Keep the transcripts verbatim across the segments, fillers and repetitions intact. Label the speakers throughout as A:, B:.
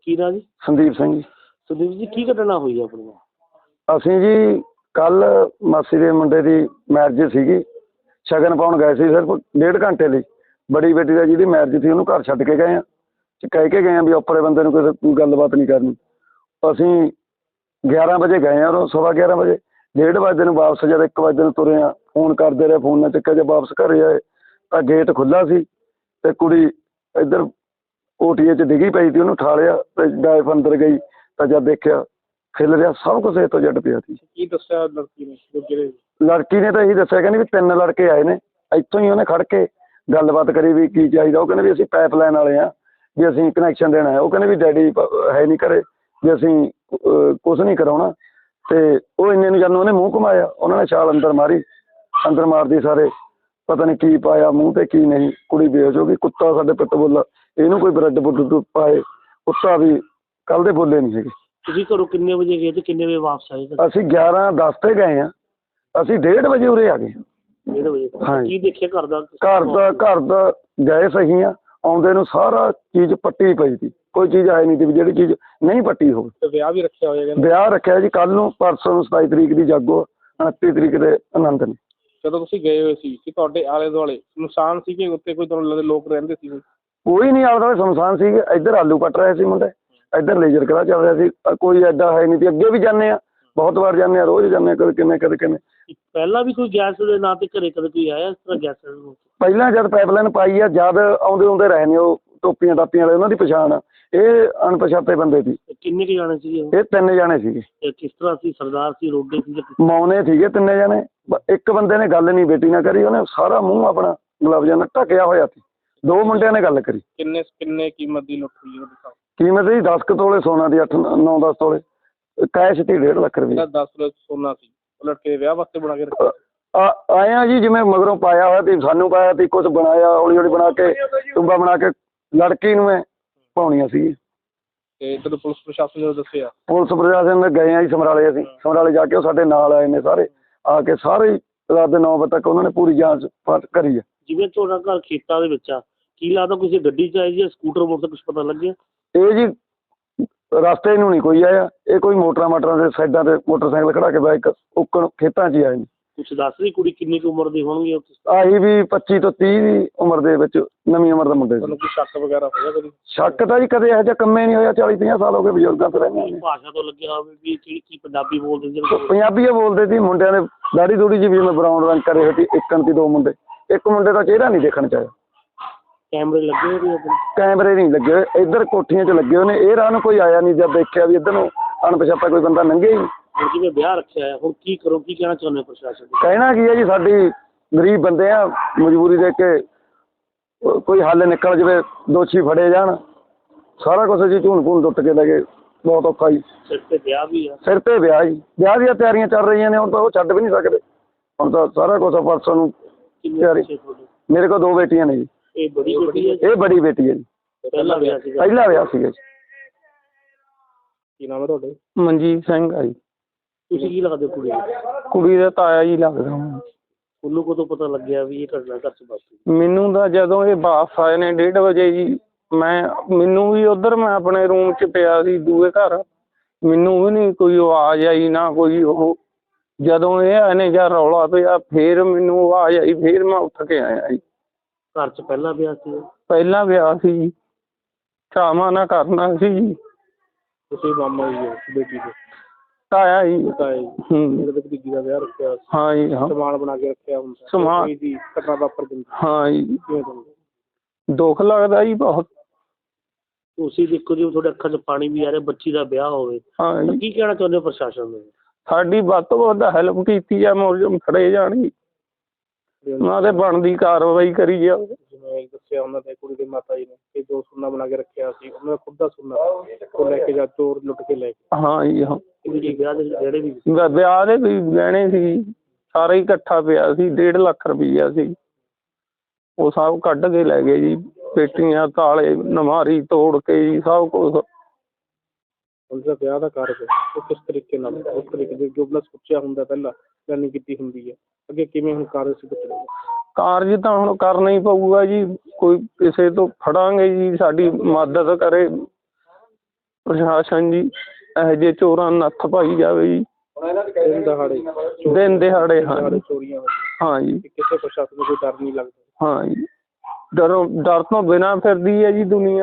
A: ਕੀ ਨਾਂ ਜੀ?
B: ਸੰਦੀਪ ਸਿੰਘ ਜੀ।
A: ਸੰਦੀਪ ਜੀ ਕੀ ਘਟਨਾ ਹੋਈ ਆਪਣੀ?
B: ਅਸੀਂ ਜੀ ਕੱਲ ਮਾਸੀ ਦੇ ਮੁੰਡੇ ਦੀ ਮੈਰਿਜ ਸੀਗੀ, ਸ਼ਗਨ ਪਾਉਣ ਗਏ ਸੀ ਸਿਰਫ ਡੇਢ ਘੰਟੇ ਲਈ। ਬੜੀ ਬੇਟੀ ਦਾ ਜਿਹਦੀ ਮੈਰਿਜ ਸੀ ਉਹਨੂੰ ਘਰ ਛੱਡ ਕੇ ਗਏ ਆ, ਕਹਿ ਕੇ ਗਏ ਆ ਵੀ ਉੱਪਰੇ ਬੰਦੇ ਨੂੰ ਕੋਈ ਗੱਲਬਾਤ ਨਹੀਂ ਕਰਨੀ। ਅਸੀਂ ਗਿਆਰਾਂ ਵਜੇ ਗਏ ਆ, ਉਹ ਸਵਾ ਗਿਆਰਾਂ ਵਜੇ ਡੇਢ ਵਜੇ ਨੂੰ ਵਾਪਸ ਜਦ ਇੱਕ ਵਜੇ ਨੂੰ ਤੁਰੇ ਆ, ਫੋਨ ਕਰਦੇ ਰਹੇ, ਫੋਨ ਨਾ ਚੱਕਿਆ। ਜੇ ਵਾਪਸ ਘਰੇ ਆਏ ਤਾਂ ਗੇਟ ਖੁੱਲ੍ਹਾ ਸੀ ਤੇ ਕੁੜੀ ਇੱਧਰ ਕੋਠੀਏ 'ਚ ਡਿੱਗੀ ਪਈ ਸੀ, ਉਹਨੂੰ ਠਾਲਿਆ ਤੇ ਡਾਇਫ ਅੰਦਰ ਗਈ ਤਾਂ ਜਦ ਦੇਖਿਆ ਖਿਲ ਰਿਹਾ ਸਭ ਕੁਛ ਇਹ ਤੋਂ ਜੱਟ ਪਿਆ ਸੀ।
A: ਕੀ ਦੱਸਿਆ ਲੜਕੀ ਨੇ? ਜਿਹੜੇ
B: ਲੜਕੀ ਨੇ ਤਾਂ ਇਹੀ ਦੱਸਿਆ, ਕਹਿੰਦੀ ਵੀ ਤਿੰਨ ਲੜਕੇ ਆਏ ਨੇ। ਇੱਥੋਂ ਹੀ ਉਹਨੇ ਖੜ ਕੇ ਗੱਲਬਾਤ ਕਰੀ ਵੀ ਕੀ ਚਾਹੀਦਾ। ਉਹ ਕਹਿੰਦੇ ਵੀ ਅਸੀਂ ਪਾਈਪ ਲਾਈਨ ਵਾਲੇ ਆ, ਵੀ ਅਸੀਂ ਕਨੈਕਸ਼ਨ ਦੇਣਾ ਹੈ। ਉਹ ਕਹਿੰਦੇ ਵੀ ਡੈਡੀ ਹੈ ਨਹੀਂ ਘਰੇ, ਵੀ ਅਸੀਂ ਕੁਛ ਨਹੀਂ ਕਰਾਉਣਾ। ਤੇ ਉਹ ਇੰਨੇ ਨੂੰ ਜਦੋਂ ਉਹਨੇ ਮੂੰਹ ਘੁਮਾਇਆ, ਉਹਨਾਂ ਨੇ ਛਾਲ ਅੰਦਰ ਮਾਰੀ। ਅੰਦਰ ਮਾਰਦੀ ਸਾਰੇ ਪਤਾ ਨਹੀਂ ਕੀ ਪਾਇਆ ਮੂੰਹ ਤੇ ਕੀ ਨਹੀਂ, ਕੁੜੀ ਬੇਹੋਸ਼ ਹੋ ਗਈ। ਕੁੱਤਾ ਸਾਡੇ ਪਿੱਟ ਬੋਲਾ, ਇਹਨੂੰ ਕੋਈ ਬ੍ਰੈਡ ਬੁੱਡ ਪਾਏ, ਕੁੱਤਾ ਵੀ ਕੱਲ ਦੇ ਬੋਲੇ ਨਹੀਂ ਹੈਗੇ।
A: ਤੁਸੀਂ ਘਰੋਂ ਕਿੰਨੇ ਵਜੇ ਗਏ ਤੇ ਕਿੰਨੇ ਵਜੇ ਵਾਪਸ ਆਏ?
B: ਅਸੀਂ ਗਿਆਰਾਂ ਦਸ ਤੇ ਗਏ ਆ, ਅਸੀਂ ਡੇਢ ਵਜੇ ਉਰੇ ਆ ਗਏ।
A: ਡੇਢ ਵਜੇ?
B: ਹਾਂ।
A: ਕੀ ਦੇਖਿਆ ਘਰ ਦਾ?
B: ਘਰ ਦਾ ਘਰ ਦਾ ਗਏ ਸਹੀ ਆ, ਆਉਂਦੇ ਨੂੰ ਸਾਰਾ ਚੀਜ਼ ਪੱਟੀ ਪਈ ਸੀ, ਕੋਈ ਚੀਜ਼ ਆਈ ਨਹੀਂ ਸੀ ਵੀ ਜਿਹੜੀ ਚੀਜ਼ ਨਹੀਂ ਪੱਟੀ ਹੋਵੇ।
A: ਤੇ ਵਿਆਹ ਵੀ ਰੱਖਿਆ ਹੋਇਆ?
B: ਵਿਆਹ ਰੱਖਿਆ ਜੀ ਕੱਲ ਨੂੰ, ਪਰਸੋਂ ਨੂੰ ਸਤਾਈ ਤਰੀਕ ਦੀ ਜਾਗੋ, ਉਨੱਤੀ ਤਰੀਕ ਦੇ ਆਨੰਦ ਨੇ।
A: ਜਦੋਂ ਤੁਸੀਂ ਗਏ ਹੋਏ ਸੀ ਕਿ ਤੁਹਾਡੇ ਆਲੇ ਦੁਆਲੇ ਸੁਨਸਾਨ ਸੀ ਕਿ ਉੱਤੇ ਕੋਈ ਤੁਹਾਨੂੰ ਲੋਕ ਰਹਿੰਦੇ ਸੀ?
B: ਕੋਈ ਨਹੀਂ, ਆਲੇ ਦੁਆਲੇ ਸੁਨਸਾਨ ਸੀ। ਇੱਧਰ ਆਲੂ ਕੱਟ ਰਹੇ ਸੀ ਮੁੰਡੇ, ਇੱਧਰ ਲੇਜ਼ਰ ਕਰਾ ਚੱਲ ਰਿਹਾ ਸੀ, ਕੋਈ ਐਡਾ ਹੈ ਨਹੀਂ ਸੀ। ਅੱਗੇ ਵੀ ਜਾਂਦੇ ਆ, ਬਹੁਤ ਵਾਰ ਜਾਂਦੇ ਆ, ਰੋਜ਼ ਜਾਂਦੇ ਆ, ਕਦੇ ਕਿਵੇਂ ਕਦੇ ਕਿਵੇਂ।
A: ਪਹਿਲਾਂ ਵੀ ਕੋਈ ਗੈਸ ਦੇ ਨਾਂ ਤੇ ਘਰੇ ਕਦੇ ਕੋਈ ਆਇਆ ਇਸ ਤਰ੍ਹਾਂ ਗੈਸ?
B: ਪਹਿਲਾਂ ਜਦ ਪਾਈਪਲਾਈਨ ਪਾਈ ਆ, ਜਦ ਆਉਂਦੇ ਆਉਂਦੇ ਰਹੇ ਨੇ ਉਹ ਟੋਪੀਆਂ ਟਾਪੀਆਂ ਵਾਲੇ, ਉਹਨਾਂ ਦੀ ਪਛਾਣ ਆ। ਇਹ ਅਣਪਛਾਤੇ ਬੰਦੇ ਸੀ।
A: ਕਿੰਨੇ ਕੁ ਜਾਣੇ ਸੀਗੇ?
B: ਇਹ ਤਿੰਨ ਜਾਣੇ ਸੀਗੇ।
A: ਕਿਸ ਤਰ੍ਹਾਂ ਸੀ? ਸਰਦਾਰ ਸੀ, ਰੋਡੇ ਸੀ?
B: ਮੌਨੇ ਸੀਗੇ ਤਿੰਨੇ ਜਾਣੇ। ਇੱਕ ਬੰਦੇ ਨੇ ਗੱਲ ਨਹੀਂ ਬੇਟੀ ਨਾਲ ਕਰੀ, ਉਹਨੇ ਸਾਰਾ ਮੂੰਹ ਆਪਣਾ ਗਲਵਜ਼ਾਂ ਨਾਲ ਢੱਕਿਆ ਹੋਇਆ ਸੀ। ਦੋ ਮੁੰਡਿਆਂ ਨੇ ਗੱਲ ਕਰੀ।
A: ਕਿੰਨੇ ਕਿੰਨੇ ਕੀਮਤ ਦੀ ਲੁੱਟ ਹੋਈ?
B: ਕੀਮਤ ਜੀ ਦਸ ਕੁ ਤੋਲੇ ਸੋਨਾ ਦੀ, ਅੱਠ ਨੌ ਦਸ ਤੋਲੇ ਕੈਸ਼ ਸੀ, ਡੇਢ ਲੱਖ ਰੁਪਏ।
A: ਦਸ ਤੋਲੇ ਸੋਨਾ ਸੀ ਲੜਕੇ ਵਿਆਹ ਵਾਸਤੇ ਬਣਾ ਕੇ ਰੱਖਿਆ?
B: ਆਏ ਆ ਜੀ, ਜਿਵੇਂ ਮਗਰੋਂ ਪਾਇਆ ਹੋਇਆ ਸੀ, ਸਾਨੂੰ ਪਾਇਆ ਸੀ, ਕੁਛ ਬਣਾਇਆ ਹੌਲੀ ਹੌਲੀ ਬਣਾ ਕੇ, ਟੁੰਬਾ ਬਣਾ ਕੇ ਲੜਕੀ ਨੂੰ ਮੈਂ ਪਾਉਣੀਆਂ ਸੀ।
A: ਤੇ ਜਦੋਂ ਪੁਲਿਸ ਪ੍ਰਸ਼ਾਸਨ ਨੇ ਦੱਸਿਆ?
B: ਪੁਲਿਸ ਪ੍ਰਸ਼ਾਸਨ ਨੇ ਗਏ ਆ ਜੀ ਸਮਰਾਲੇ। ਅਸੀਂ ਸਮਰਾਲੇ ਜਾ ਕੇ ਉਹ ਸਾਡੇ ਨਾਲ ਆਏ ਨੇ ਸਾਰੇ, ਆ ਕੇ ਸਾਰੇ ਰਾਤ ਦੇ ਨੌ ਵਜੇ ਤੱਕ ਉਹਨਾਂ ਨੇ ਪੂਰੀ ਜਾਂਚ ਕਰੀ ਆ।
A: ਜਿਵੇਂ ਤੁਹਾਡਾ ਘਰ ਖੇਤਾਂ ਦੇ ਵਿੱਚ ਆ, ਕੀ ਲੱਗਦਾ ਕਿਸੇ ਗੱਡੀ 'ਚ ਆਈ ਜਾਂ ਸਕੂਟਰ ਮੋਟਰ, ਕੁਛ ਪਤਾ ਲੱਗਿਆ?
B: ਇਹ ਜੀ ਰਸਤੇ ਨੂੰ ਨਹੀਂ ਕੋਈ ਆਇਆ, ਇਹ ਕੋਈ ਮੋਟਰਾਂ ਮਾਟਰਾਂ ਦੇ ਸਾਈਡਾਂ ਤੇ ਮੋਟਰਸਾਈਕਲ ਖੜਾ ਕੇ ਬਾਈਕ ਉੱਕਣ ਖੇਤਾਂ 'ਚ ਹੀ ਆਏ ਨੇ।
A: ਕੁਛ ਦੱਸ ਰਹੀ ਕੁੜੀ ਕਿੰਨੀ ਕੁ ਉਮਰ ਦੀ ਹੋਣਗੀ?
B: ਆਹੀ ਵੀ ਪੱਚੀ ਤੋਂ ਤੀਹ ਦੀ ਉਮਰ ਦੇ ਵਿੱਚ, ਨਵੀਂ ਉਮਰ ਦਾ ਮੁੰਡੇ ਸੀ।
A: ਤੁਹਾਨੂੰ ਕੋਈ ਸ਼ੱਕ ਵਗੈਰਾ ਹੋਇਆ ਕਦੀ?
B: ਸ਼ੱਕ ਤਾਂ ਜੀ ਕਦੇ ਇਹੋ ਜਿਹਾ ਕੰਮੇ ਨਹੀਂ ਹੋਇਆ, ਚਾਲੀ ਪੰਜਾਹ ਸਾਲ ਹੋ ਗਏ ਬਜ਼ੁਰਗਾਂ ਤੋਂ ਰਹਿੰਦੇ ਨੇ।
A: ਭਾਸ਼ਾ ਤੋਂ ਲੱਗਿਆ ਹੋਵੇ ਵੀ ਕੀ ਕੀ ਪੰਜਾਬੀ ਬੋਲਦੇ ਸੀ?
B: ਪੰਜਾਬੀ ਹੀ ਬੋਲਦੇ ਸੀ। ਮੁੰਡਿਆਂ ਨੇ ਦਾੜੀ ਦੂੜੀ ਜੀ ਵੀ ਮੈਂ ਬਰਾਊਨ ਰੰਗ ਕਰੇ ਹੋਏ ਸੀ। ਇੱਕਣ ਸੀ ਦੋ ਮੁੰਡੇ, ਇੱਕ ਮੁੰਡੇ ਦਾ ਚਿਹਰਾ ਨਹੀਂ ਦੇਖਣ 'ਚ ਆਇਆ।
A: ਕੈਮਰੇ ਲੱਗੇ ਹੋਏ ਸੀ?
B: ਕੈਮਰੇ ਨਹੀਂ ਲੱਗੇ ਹੋਏ, ਇੱਧਰ ਕੋਠੀਆਂ 'ਚ ਲੱਗੇ ਹੋਏ ਨੇ। ਇਹ ਰਾਹ ਨੂੰ ਕੋਈ ਆਇਆ ਨਹੀਂ, ਜਦ ਦੇਖਿਆ ਵੀ ਇੱਧਰ ਨੂੰ ਅਣਪਛਾਤਾ ਕੋਈ ਬੰਦਾ ਲੰਘੇ ਹੀ।
A: ਹੁਣ ਜਿਵੇਂ ਵਿਆਹ ਰੱਖਿਆ ਹੈ, ਹੁਣ ਕੀ ਕਰੋ? ਕੀ ਕਹਿਣਾ ਚਾਹੁੰਦੇ ਹੋ ਪ੍ਰਸ਼ਾਸਨ ਨੂੰ?
B: ਕਹਿਣਾ ਕੀ ਹੈ ਜੀ, ਸਾਡੀ ਗਰੀਬ ਬੰਦੇ ਆ, ਮਜਬੂਰੀ ਦੇਖ ਕੇ ਕੋਈ ਹੱਲ ਨਿਕਲ ਜਾਵੇ, ਦੋਸ਼ੀ ਫੜੇ ਜਾਣ। ਸਾਰਾ ਕੁਛ ਜੀ ਝੂਣ ਭੂਣ ਟੁੱਟ ਕੇ ਲੈ ਗਏ, ਬਹੁਤ ਔਖਾ ਜੀ।
A: ਸਿਰ 'ਤੇ ਵਿਆਹ ਵੀ ਆ? ਸਿਰ
B: ਤੇ ਵਿਆਹ ਜੀ, ਵਿਆਹ ਦੀਆਂ ਤਿਆਰੀਆਂ ਚੱਲ ਰਹੀਆਂ ਨੇ। ਹੁਣ ਤਾਂ ਉਹ ਛੱਡ ਵੀ ਨਹੀਂ ਸਕਦੇ, ਹੁਣ ਤਾਂ ਸਾਰਾ ਕੁਛ ਪਰਸੋਂ ਨੂੰ ਤਿਆਰੀ। ਮੇਰੇ ਕੋਲ ਦੋ ਬੇਟੀਆਂ ਨੇ ਜੀ।
A: ਇਹ ਬੜੀ ਬੇਟੀ ਹੈ?
B: ਇਹ ਬੜੀ ਬੇਟੀ ਹੈ ਜੀ।
A: ਪਹਿਲਾ ਵਿਆਹ ਸੀਗਾ?
B: ਪਹਿਲਾ ਵਿਆਹ ਸੀਗਾ ਜੀ।
A: ਕੀ ਨਾਮ ਹੈ ਤੁਹਾਡੇ?
C: ਮਨਜੀਤ ਸਿੰਘ ਆ ਜੀ।
A: ਤੁਸੀਂ ਕੀ ਲੱਗਦੇ ਕੁੜੀ?
C: ਕੁੜੀ ਦਾ ਤਾਇਆ ਜੀ ਲੱਗਦਾ।
A: ਉਹਨੂੰ ਕਦੋਂ ਪਤਾ ਲੱਗਿਆ ਵੀ ਇਹ ਘਟਨਾ ਘਰ 'ਚ ਵਾਪਰੀ?
C: ਮੈਨੂੰ ਤਾਂ ਜਦੋਂ ਇਹ ਵਾਪਸ ਆਏ ਨੇ ਡੇਢ ਵਜੇ ਜੀ, ਮੈਂ ਮੈਨੂੰ ਵੀ ਉੱਧਰ ਮੈਂ ਆਪਣੇ ਰੂਮ 'ਚ ਪਿਆ ਸੀ ਦੂਏ ਘਰ, ਮੈਨੂੰ ਵੀ ਨਹੀਂ ਕੋਈ ਆਵਾਜ਼ ਆਈ ਨਾ ਕੋਈ ਉਹ। ਜਦੋਂ ਇਹ ਆਏ ਨੇ ਜਾਂ ਰੌਲਾ ਪਿਆ ਫਿਰ ਮੈਨੂੰ ਆਵਾਜ਼ ਆਈ, ਫਿਰ ਮੈਂ ਉੱਠ ਕੇ ਆਇਆ ਜੀ।
A: ਘਰ 'ਚ ਪਹਿਲਾ ਵਿਆਹ ਸੀ?
C: ਪਹਿਲਾਂ ਵਿਆਹ ਸੀ ਜੀ, ਚਾਵਾਂ ਨਾਲ ਕਰਨਾ ਸੀ ਜੀ।
A: ਤੁਸੀਂ ਮਾਮਾ ਜੀ ਹੋ ਬੇਟੀ ਦੇ?
C: ਤਾਇਆ ਜੀ।
A: ਤਾਇਆ ਜੀ।
C: ਹੂੰ।
A: ਮੇਰੇ ਭਤੀਜੀ ਦਾ ਵਿਆਹ ਰੱਖਿਆ?
C: ਹਾਂ ਜੀ ਹਾਂ।
A: ਸਮਾਨ ਬਣਾ ਕੇ ਰੱਖਿਆ ਹੁੰਦਾ?
C: ਸਮਾਨ
A: ਦੀ ਘਟਨਾ ਵਾਪਰ ਜਾਂਦੀ?
C: ਹਾਂ ਜੀ।
A: ਕਿਵੇਂ ਤੁਹਾਨੂੰ
C: ਦੁੱਖ ਲੱਗਦਾ ਜੀ ਬਹੁਤ।
A: ਤੁਸੀਂ ਦੇਖੋ ਜੀ, ਤੁਹਾਡੇ ਅੱਖਾਂ 'ਚ ਪਾਣੀ ਵੀ ਆ ਰਿਹਾ, ਬੱਚੀ ਦਾ ਵਿਆਹ ਹੋਵੇ।
C: ਹਾਂ ਜੀ।
A: ਕੀ ਕਹਿਣਾ ਚਾਹੁੰਦੇ ਹੋ ਪ੍ਰਸ਼ਾਸਨ ਨੂੰ?
C: ਸਾਡੀ ਵੱਧ ਤੋਂ ਵੱਧ ਹੈਲਪ ਕੀਤੀ ਆ, ਮੁਲਜ਼ਮ ਫੜੇ ਜਾਣ ਜੀ, ਉਹਨਾਂ ਤੇ ਬਣਦੀ ਕਾਰਵਾਈ ਕਰੀ ਜਾਵੇ।
A: ਜਿਵੇਂ ਦੱਸਿਆ ਉਹਨਾਂ ਦੇ ਕੁੜੀ ਦੇ ਮਾਤਾ ਜੀ ਨੇ ਕਿ ਜੋ ਸੋਨਾ ਬਣਾ ਕੇ ਰੱਖਿਆ ਸੀ ਉਹਨਾਂ ਦਾ ਖੁਦ ਦਾ ਸੋਨਾ, ਉਹ ਲੈ ਕੇ ਜਾ ਚੋਰ ਲੁੱਟ ਕੇ ਲੈ ਗਏ।
C: ਹਾਂ ਜੀ ਹਾਂ।
A: ਵਿਆਹ ਦੇ ਜਿਹੜੇ ਵੀ
C: ਵਿਆਹ ਦੇ ਵੀ ਗਹਿਣੇ ਸੀ, ਸਾਰਾ ਹੀ ਇਕੱਠਾ ਪਿਆ ਸੀ, ਡੇਢ ਲੱਖ ਰੁਪਈਆ ਸੀ, ਉਹ ਸਭ ਕੱਢ ਕੇ ਲੈ ਗਏ ਜੀ। ਪੇਟੀਆਂ, ਤਾਲੇ, ਨਮਾਰੀ ਤੋੜ ਕੇ ਜੀ ਸਭ ਕੁਛ।
A: ਉਸਦਾ ਵਿਆਹ ਦਾ ਕਾਰਜ ਉਹ ਕਿਸ ਤਰੀਕੇ ਨਾਲ, ਉਸ ਤਰੀਕੇ ਦੇ ਜੋ ਆਪਣਾ ਸੋਚਿਆ ਹੁੰਦਾ ਪਹਿਲਾਂ ਪਲੈਨਿੰਗ ਕੀਤੀ ਹੁੰਦੀ ਹੈ, ਅੱਗੇ ਕਿਵੇਂ ਹੁਣ ਕਾਰਜ ਸਿੱਧ ਕਰੇਗਾ?
C: ਕਾਰਜ ਤਾਂ ਹੁਣ ਕਰਨਾ ਹੀ ਪਊਗਾ ਜੀ, ਕੋਈ ਕਿਸੇ ਤੋਂ ਫੜਾਂਗੇ ਜੀ, ਸਾਡੀ ਮਦਦ ਕਰੇ ਪ੍ਰਸ਼ਾਸਨ ਜੀ ਇਹੋ ਜਿਹੇ ਚੋਰਾਂ ਨੂੰ ਨੱਥ ਪਾਈ ਜਾਵੇ ਜੀ।
A: ਦਿਨ ਦਹਾੜੇ
C: ਦਿਨ ਦਿਹਾੜੇ ਹਾਂ
A: ਦਿਹਾੜੇ
C: ਜੀ।
A: ਚੋਰੀਆਂ ਹੋ
C: ਹਾਂ ਜੀ
A: ਤੇ ਕਿਸੇ ਪ੍ਰਸ਼ਾਸਨ ਨੂੰ ਕੋਈ ਡਰ ਨਹੀਂ ਲੱਗਦਾ।
C: ਹਾਂ ਜੀ ਡਰੋਂ ਡਰ ਤੋਂ ਬਿਨਾਂ ਫਿਰਦੀ ਹੈ ਜੀ ਦੁਨੀਆ।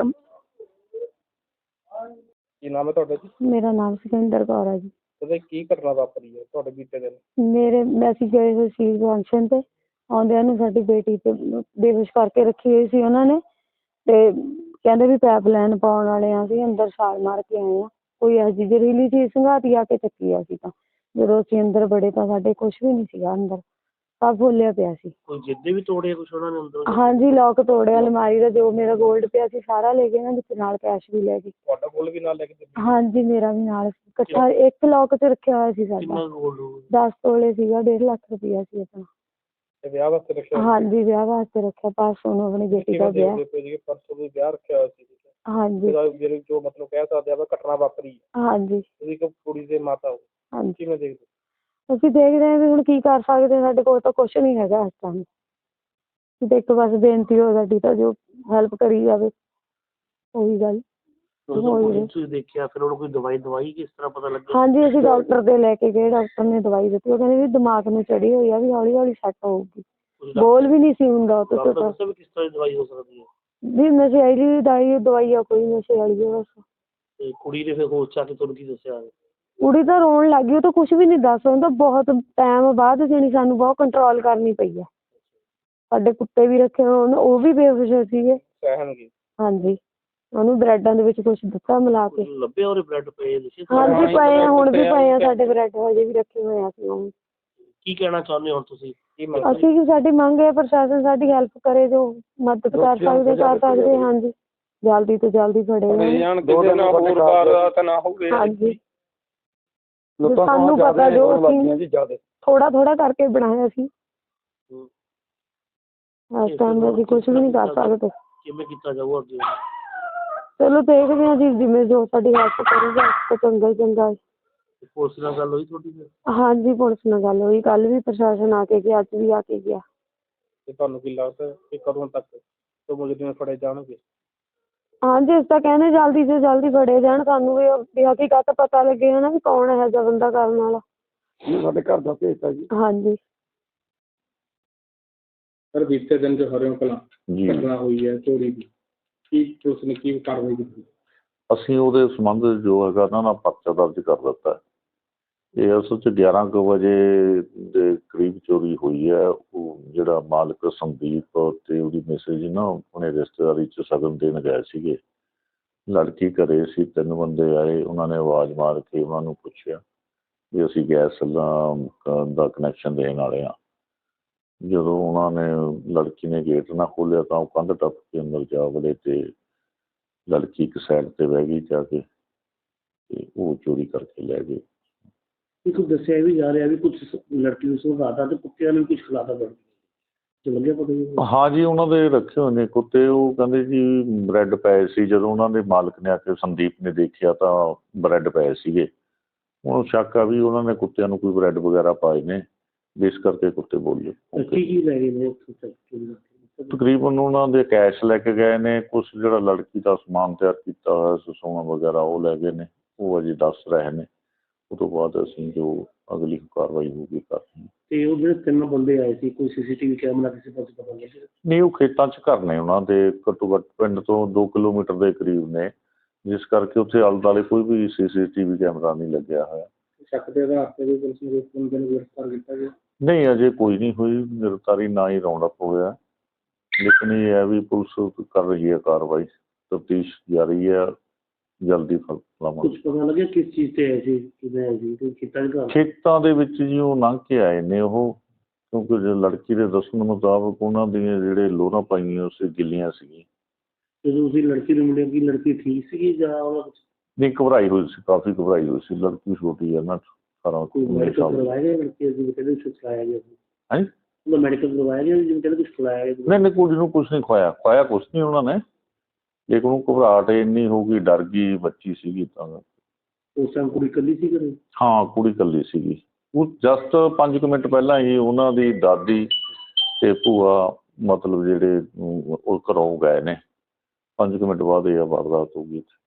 A: ਕੀ ਨਾਮ ਹੈ ਤੁਹਾਡਾ ਜੀ?
D: ਮੇਰਾ ਨਾਮ ਸੁਖਿੰਦਰ ਕੌਰ ਹੈ ਜੀ।
A: ਉਹਦੇ ਕੀ ਘਟਨਾ ਵਾਪਰੀ ਹੈ ਤੁਹਾਡੇ ਬੀਤੇ ਦਿਨ?
D: ਮੇਰੇ ਅਸੀਂ ਗਏ ਹੋਏ ਸੀ ਫੰਕਸ਼ਨ ਤੇ, ਆਉਂਦਿਆਂ ਨੂੰ ਸਾਡੀ ਬੇਟੀ ਤੇ ਬੇਹੋਸ਼ ਕਰਕੇ ਰੱਖੀ ਹੋਈ ਸੀ ਉਹਨਾਂ ਨੇ, ਤੇ ਕਹਿੰਦੇ ਵੀ ਪੈਪ ਲਾਈਨ ਪਾਉਣ ਵਾਲੇ ਆ, ਅਸੀਂ ਅੰਦਰ ਛਾਲ ਮਾਰ ਕੇ ਆਏ ਹਾਂ। ਕੋਈ ਇਹੋ ਜਿਹੀ ਜ਼ਹਿਰੀਲੀ ਚੀਜ਼ ਸੰਘਾਤੀ ਆ ਕੇ ਚੱਕੀ ਆ। ਅਸੀਂ ਤਾਂ ਜਦੋਂ ਅਸੀਂ ਅੰਦਰ ਵੜੇ ਤਾਂ ਸਾਡੇ ਕੁਛ ਵੀ ਨਹੀਂ ਸੀਗਾ ਅੰਦਰ, ਸਭ ਖੋਲਿਆ ਪਿਆ ਸੀ।
A: ਕੋਈ ਜਿੱਦੇ ਵੀ ਤੋੜੇ ਕੁਛ ਉਹਨਾਂ ਨੇ ਅੰਦਰ?
D: ਹਾਂਜੀ ਲੋਕ ਤੋੜਿਆ, ਅਲਮਾਰੀ ਦਾ ਜੋ ਮੇਰਾ ਗੋਲਡ ਪਿਆ ਸੀ ਸਾਰਾ ਲੈ ਗਏ ਨਾ, ਵਿੱਚ ਨਾਲ ਕੈਸ਼ ਵੀ ਲੈ ਗਏ।
A: ਤੁਹਾਡਾ ਕੋਲ ਵੀ ਨਾਲ ਲੈ ਕੇ ਦਿੱਤੀ?
D: ਹਾਂਜੀ ਮੇਰਾ ਵੀ ਨਾਲ ਇਕੱਠਾ ਇੱਕ ਲੋਕ 'ਚ ਰੱਖਿਆ ਹੋਇਆ ਸੀ ਸਾਡਾ।
A: ਕਿੰਨਾ ਗੋਲਡ ਹੋਊ?
D: ਦਸ ਤੋਲੇ ਸੀਗਾ, ਡੇਢ ਲੱਖ ਰੁਪਇਆ ਸੀ ਆਪਣਾ।
A: ਤੇ ਵਿਆਹ ਵਾਸਤੇ ਰੱਖਿਆ?
D: ਹਾਂਜੀ ਵਿਆਹ ਵਾਸਤੇ ਰੱਖਿਆ, ਪਰਸੋਂ ਨੂੰ ਆਪਣੀ ਬੇਟੀ ਦਾ ਵਿਆਹ।
A: ਪਰਸੋਂ ਵੀ ਵਿਆਹ ਰੱਖਿਆ ਹੋਇਆ ਸੀ?
D: ਹਾਂਜੀ
A: ਜਿਹੜੇ ਜੋ ਮਤਲਬ ਕਹਿ ਸਕਦੇ ਆ ਘਟਨਾ ਵਾਪਰੀ ਹੈ।
D: ਹਾਂਜੀ
A: ਤੁਸੀਂ ਇੱਕ ਕੁੜੀ ਦੇ ਮਾਤਾ ਹੋ,
D: ਹਾਂਜੀ
A: ਕਿਵੇਂ ਦੇਖਦੇ?
D: ਅਸੀਂ ਦੇਖਦੇ ਹਾਂ ਵੀ ਹੁਣ ਕੀ ਕਰ ਸਕਦੇ, ਸਾਡੇ ਕੋਲ ਤਾਂ ਕੁਛ ਨਹੀਂ ਹੈਗਾ ਇਸ ਟਾਈਮ। ਤੇ ਇੱਕ ਬਸ ਬੇਨਤੀ ਹੋ ਸਾਡੀ ਤਾਂ ਜੋ ਹੈਲਪ ਕਰੀ ਜਾਵੇ, ਉਹੀ ਗੱਲ।
A: ਤੁਸੀਂ ਦੇਖਿਆ ਫਿਰ ਉਹਨੂੰ ਕੋਈ ਦਵਾਈ ਦਵਾਈ ਕਿਸ ਤਰ੍ਹਾਂ ਪਤਾ ਲੱਗਿਆ?
D: ਹਾਂਜੀ ਅਸੀਂ ਡਾਕਟਰ ਦੇ ਲੈ ਕੇ ਗਏ, ਡਾਕਟਰ ਨੇ ਦਵਾਈ ਦਿੱਤੀ। ਉਹ ਕਹਿੰਦੇ ਵੀ ਦਿਮਾਗ ਨੂੰ ਚੜੀ ਹੋਈ ਆ, ਵੀ ਹੌਲੀ ਹੌਲੀ ਸੈੱਟ ਹੋਊਗੀ। ਬੋਲ ਵੀ ਨਹੀਂ ਸੀ ਹੁੰਦਾ ਉਹ ਤੋਂ।
A: ਕਿਸ ਤਰ੍ਹਾਂ ਦੀ ਦਵਾਈ ਹੋ ਸਕਦੀ ਹੈ?
D: ਵੀ ਨਸ਼ੇ ਵਾਲੀ ਦਵਾਈ ਦਵਾਈ ਆ, ਕੋਈ ਨਸ਼ੇ ਵਾਲੀ ਹੈ ਬਸ।
A: ਤੇ ਕੁੜੀ ਨੇ ਫਿਰ ਹੋਸ਼ ਚ ਆ ਕੇ ਤੁਹਾਨੂੰ ਕੀ ਦੱਸਿਆ?
D: ਕੁੜੀ ਤਾਂ ਰੋਣ ਲੱਗ ਗਈ, ਉਹ ਤਾਂ ਕੁਛ ਵੀ ਨਹੀਂ ਦੱਸ ਹੁੰਦਾ। ਬਹੁਤ ਟਾਈਮ ਬਾਅਦ ਜਾਣੀ ਸਾਨੂੰ ਬਹੁਤ ਕੰਟਰੋਲ ਕਰਨੀ ਪਈ ਆ। ਸਾਡੇ ਕੁੱਤੇ ਵੀ ਰੱਖੇ ਹੋਏ, ਉਹ ਵੀ ਬੇਹੋਸ਼ ਸੀਗੇ।
A: ਸਹਿਣਗੇ? ਹਾਂਜੀ
D: ਉਹਨੂੰ ਬ੍ਰੈਡਾਂ ਦੇ ਵਿੱਚ ਕੁਛ ਦਿੱਤਾ ਮਿਲਾ ਕੇ।
A: ਲੱਭੇ ਉਹਦੇ ਬ੍ਰੈਡ ਪਏ?
D: ਹਾਂਜੀ ਪਏ ਆ, ਹੁਣ ਵੀ ਪਏ ਆ ਸਾਡੇ ਬ੍ਰੈਡ, ਹਜੇ ਵੀ ਰੱਖੇ ਹੋਏ ਆ ਅਸੀਂ। ਉਹ
A: ਕੀ ਕਹਿਣਾ ਚਾਹੁੰਦੇ ਹੋ ਤੁਸੀਂ?
D: ਅਸੀਂ ਵੀ ਸਾਡੀ ਮੰਗ ਹੈ ਪ੍ਰਸ਼ਾਸਨ ਸਾਡੀ ਹੈਲਪ ਕਰੇ, ਜੋ ਮਦਦ ਕਰ ਸਕਦੇ ਕਰ ਸਕਦੇ। ਹਾਂਜੀ ਜਲਦੀ ਤੋਂ ਜਲਦੀ ਫੜੇ ਜਾਣ,
C: ਕਿਸੇ ਨਾਲ ਹੋਰ ਵਾਰਦਾਤ ਨਾ ਹੋਵੇ।
D: ਹਾਂਜੀ ਸਾਨੂੰ ਪਤਾ ਜੋ ਅਸੀਂ ਥੋੜਾ ਥੋੜਾ ਕਰਕੇ ਬਣਾਇਆ ਸੀ, ਇਸ ਟਾਈਮ ਅਸੀਂ ਕੁਛ ਵੀ ਨਹੀਂ ਕਰ ਸਕਦੇ।
A: ਕਿਵੇਂ ਕੀਤਾ ਜਾਊਗਾ ਅੱਗੇ?
D: ਚਲੋ ਦੇਖਦੇ ਹਾਂ ਜੀ, ਜਿਵੇਂ ਜੋ ਸਾਡੀ ਹੈਲਪ ਕਰੇਗਾ ਤਾਂ ਚੰਗਾ ਹੀ ਚੰਗਾ।
A: ਪੁਲਿਸ ਨਾਲ ਗੱਲ ਹੋਈ ਤੁਹਾਡੀ ਫਿਰ?
D: ਹਾਂਜੀ ਪੁਲਿਸ ਨਾਲ ਗੱਲ ਹੋਈ, ਕੱਲ ਵੀ ਪ੍ਰਸ਼ਾਸਨ ਆ ਕੇ ਗਿਆ, ਅੱਜ ਵੀ ਆ ਕੇ ਗਿਆ।
A: ਤੇ ਤੁਹਾਨੂੰ ਕੀ ਲੱਗਦਾ ਕਿ ਕਦੋਂ ਤੱਕ ਤੋਂ ਮੁਜਰਮ ਫੜੇ ਜਾਣਗੇ?
D: ਹਾਂਜੀ ਅਸੀਂ ਤਾਂ ਕਹਿੰਦੇ ਜਲਦੀ ਤੋਂ ਜਲਦੀ ਫੜੇ ਜਾਣ, ਸਾਨੂੰ ਵੀ ਵੀ ਹਕੀਕਤ ਪਤਾ ਲੱਗੇ ਹਨਾ ਵੀ ਕੌਣ ਇਹੋ ਜਿਹਾ ਬੰਦਾ ਕਰਨ ਵਾਲਾ।
B: ਸਾਡੇ ਘਰ ਦਾ ਭੇਜਤਾ ਜੀ।
D: ਹਾਂਜੀ
A: ਸਰ ਬੀਤੇ ਦਿਨ ਜੋ ਹਰਿਓਂ ਕਲਾਂ ਘਟਨਾ ਹੋਈ ਹੈ ਚੋਰੀ ਦੀ, ਕੀ ਪੁਲਿਸ ਨੇ ਕੀ ਕਾਰਵਾਈ ਕੀਤੀ?
E: ਅਸੀਂ ਉਹਦੇ ਸੰਬੰਧ ਜੋ ਹੈਗਾ ਨਾ ਨਾ ਪਰਚਾ ਦਰਜ ਕਰ ਦਿੱਤਾ। ਇਹ ਅਸਲ 'ਚ ਗਿਆਰਾਂ ਕੁ ਵਜੇ ਦੇ ਕਰੀਬ ਚੋਰੀ ਹੋਈ ਹੈ। ਉਹ ਜਿਹੜਾ ਮਾਲਕ ਸੰਦੀਪ ਤੇ ਉਹਦੀ ਮਿਸੇਜ ਨਾ ਆਪਣੇ ਰਿਸ਼ਤੇਦਾਰੀ 'ਚ ਸ਼ਗਨ ਦੇਣ ਗਏ ਸੀਗੇ। ਲੜਕੀ ਘਰੇ ਸੀ, ਤਿੰਨ ਬੰਦੇ ਆਏ, ਉਹਨਾਂ ਨੇ ਆਵਾਜ਼ ਮਾਰ ਕੇ ਉਹਨਾਂ ਨੂੰ ਪੁੱਛਿਆ ਵੀ ਅਸੀਂ ਗੈਸ ਦਾ ਦਾ ਕਨੈਕਸ਼ਨ ਦੇਣ ਵਾਲੇ ਹਾਂ। ਜਦੋਂ ਉਹਨਾਂ ਨੇ ਲੜਕੀ ਨੇ ਗੇਟ ਨਾ ਖੋਲ੍ਹਿਆ ਤਾਂ ਉਹ ਕੰਧ ਟੱਪ ਕੇ ਅੰਦਰ ਜਾ ਵੜੇ ਤੇ ਲੜਕੀ ਇੱਕ ਸਾਈਡ 'ਤੇ ਬਹਿ ਗਈ ਜਾ ਕੇ, ਤੇ ਉਹ ਚੋਰੀ ਕਰਕੇ ਲੈ ਗਏ।
A: ਇੱਕ ਦੱਸਿਆ ਵੀ ਜਾ ਰਿਹਾ ਵੀ ਕੁਝ ਲੜਕੀ ਨੂੰ ਸੁਣਾਤਾ ਤੇ ਕੁੱਤਿਆਂ ਨੂੰ ਕੁਝ ਖਿਲਾਤਾ ਬਣ ਲੱਗਿਆ ਪਤਾ?
E: ਹਾਂ ਜੀ ਉਹਨਾਂ ਦੇ ਰੱਖੇ ਹੋਏ ਨੇ ਕੁੱਤੇ। ਉਹ ਕਹਿੰਦੇ ਜੀ ਬ੍ਰੈਡ ਪਏ ਸੀ, ਜਦੋਂ ਉਹਨਾਂ ਦੇ ਮਾਲਕ ਨੇ ਆ ਕੇ ਸੰਦੀਪ ਨੇ ਦੇਖਿਆ ਤਾਂ ਬ੍ਰੈਡ ਪਏ ਸੀਗੇ। ਉਹਨੂੰ ਸ਼ੱਕ ਆ ਵੀ ਉਹਨਾਂ ਨੇ ਕੁੱਤਿਆਂ ਨੂੰ ਕੋਈ ਬ੍ਰੈਡ ਵਗੈਰਾ ਪਾਏ ਨੇ, ਇਸ ਕਰਕੇ ਕੁੱਤੇ ਬੋਲੇ।
A: ਕੀ ਕੀ ਲੈ ਗਏ ਨੇ?
E: ਤਕਰੀਬਨ ਉਹਨਾਂ ਦੇ ਕੈਸ਼ ਲੈ ਕੇ ਗਏ ਨੇ, ਕੁਛ ਜਿਹੜਾ ਲੜਕੀ ਦਾ ਸਮਾਨ ਤਿਆਰ ਕੀਤਾ ਹੋਇਆ ਸੀ ਸੋਨਾ ਵਗੈਰਾ ਉਹ ਲੈ ਗਏ ਨੇ। ਉਹ ਅਜੇ ਦੱਸ ਰਹੇ ਨੇ, ਉਹ ਤੋਂ ਬਾਅਦ ਅਸੀਂ ਜੋ ਅਗਲੀ ਕਾਰਵਾਈ ਹੋਊਗੀ ਕਰ ਰਹੇ ਹਾਂ।
A: ਤੇ ਉਹ ਜਿਹੜੇ ਤਿੰਨ ਬੰਦੇ ਆਏ ਸੀ, ਕੋਈ ਸੀਸੀਟੀਵੀ ਕੈਮਰਾ ਕਿਸੇ ਪਾਸੇ ਪਤਾ ਲੱਗਿਆ?
E: ਨਹੀਂ ਉਹ ਖੇਤਾਂ 'ਚ ਘਰ ਨੇ ਉਹਨਾਂ ਦੇ, ਘੱਟੋ ਘੱਟ ਪਿੰਡ ਤੋਂ ਦੋ ਕਿਲੋਮੀਟਰ ਦੇ ਕਰੀਬ ਨੇ, ਜਿਸ ਕਰਕੇ ਉੱਥੇ ਆਲੇ ਦੁਆਲੇ ਕੋਈ ਵੀ ਸੀਸੀਟੀਵੀ ਕੈਮਰਾ ਨਹੀਂ ਲੱਗਿਆ ਹੋਇਆ।
A: ਸ਼ੱਕ ਦੇ ਆਧਾਰ ਤੇ ਵੀ ਪੁਲਿਸ ਨੇ ਬੰਦੇ ਨੂੰ ਗ੍ਰਿਫਤਾਰ ਕੀਤਾ ਗਿਆ?
E: ਨਹੀਂ ਅਜੇ ਕੋਈ ਨਹੀਂ ਹੋਈ ਗ੍ਰਿਫਤਾਰੀ, ਨਾ ਹੀ ਰਾਉਂਡ ਅਪ ਹੋਇਆ। ਲੇਕਿਨ ਇਹ ਹੈ ਵੀ ਪੁਲਿਸ ਕਰ ਰਹੀ ਹੈ ਕਾਰਵਾਈ, ਤਫਤੀਸ਼ ਜਾਰੀ ਹੈ, ਜਲਦੀ ਫਲ ਲਾਵਾਂਗੇ।
A: ਕੁਝ ਪਤਾ ਲੱਗਿਆ ਕਿਸ ਚੀਜ਼ ਤੇ ਆਏ ਸੀ, ਕਿਵੇਂ ਆਏ ਸੀ? ਖੇਤਾਂ
E: ਖੇਤਾਂ ਦੇ ਵਿੱਚ ਜੀ ਉਹ ਲੰਘ ਕੇ ਆਏ ਨੇ ਉਹ, ਕਿਉਂਕਿ ਜੇ ਲੜਕੀ ਦੇ ਦੱਸਣ ਮੁਤਾਬਕ ਉਹਨਾਂ ਦੀਆਂ ਜਿਹੜੇ ਲੋਅਰਾਂ ਪਾਈਆਂ ਸੀ ਗਿੱਲੀਆਂ ਸੀਗੀਆਂ।
A: ਜਦੋਂ ਤੁਸੀਂ ਲੜਕੀ ਨੂੰ ਮਿਲਿਆ ਕੀ ਲੜਕੀ ਠੀਕ ਸੀਗੀ ਜਾਂ ਉਹਨਾਂ
E: ਨਹੀਂ ਘਬਰਾਈ ਹੋਈ ਸੀ, ਕਾਫੀ ਘਬਰਾਈ ਹੋਈ ਸੀ। ਲੜਕੀ ਛੋਟੀ ਹੈ ਨਾ, ਅਠਾਰਾਂ ਉੱਨੀ ਸਾਲ ਦੀ।
A: ਕਰਵਾਇਆ ਗਿਆ ਲੜਕੀ ਅਸੀਂ ਕਹਿੰਦੇ ਕੁਛ ਖਿਲਾਇਆ ਗਿਆ ਸੀ?
E: ਹਾਂਜੀ
A: ਉਹਦਾ ਮੈਡੀਕਲ ਕਰਵਾਇਆ ਗਿਆ ਜਿਵੇਂ ਕਹਿੰਦੇ ਕੁਛ ਖਿਲਾਇਆ ਗਿਆ?
E: ਨਹੀਂ ਨਹੀਂ ਕੁੜੀ ਨੂੰ ਕੁਛ ਨਹੀਂ ਖਵਾਇਆ, ਖਵਾਇਆ ਕੁਛ ਨਹੀਂ ਉਹਨਾਂ ਨੇ, ਲੇਕਿਨ ਉਹ ਘਬਰਾਹਟ ਇੰਨੀ ਹੋ ਗਈ, ਡਰ ਗਈ, ਬੱਚੀ ਸੀਗੀ ਤਾਂ।
A: ਉਸ ਟਾਈਮ ਕੁੜੀ ਇਕੱਲੀ ਸੀ ਘਰੇ?
E: ਹਾਂ ਕੁੜੀ ਇਕੱਲੀ ਸੀਗੀ। ਉਹ ਜਸਟ ਪੰਜ ਕੁ ਮਿੰਟ ਪਹਿਲਾਂ ਹੀ ਉਹਨਾਂ ਦੀ ਦਾਦੀ ਤੇ ਭੂਆ ਮਤਲਬ ਜਿਹੜੇ ਉਹ ਘਰੋਂ ਗਏ ਨੇ, ਪੰਜ ਕੁ ਮਿੰਟ ਬਾਅਦ ਇਹ ਵਾਰਦਾਤ ਹੋ ਗਈ।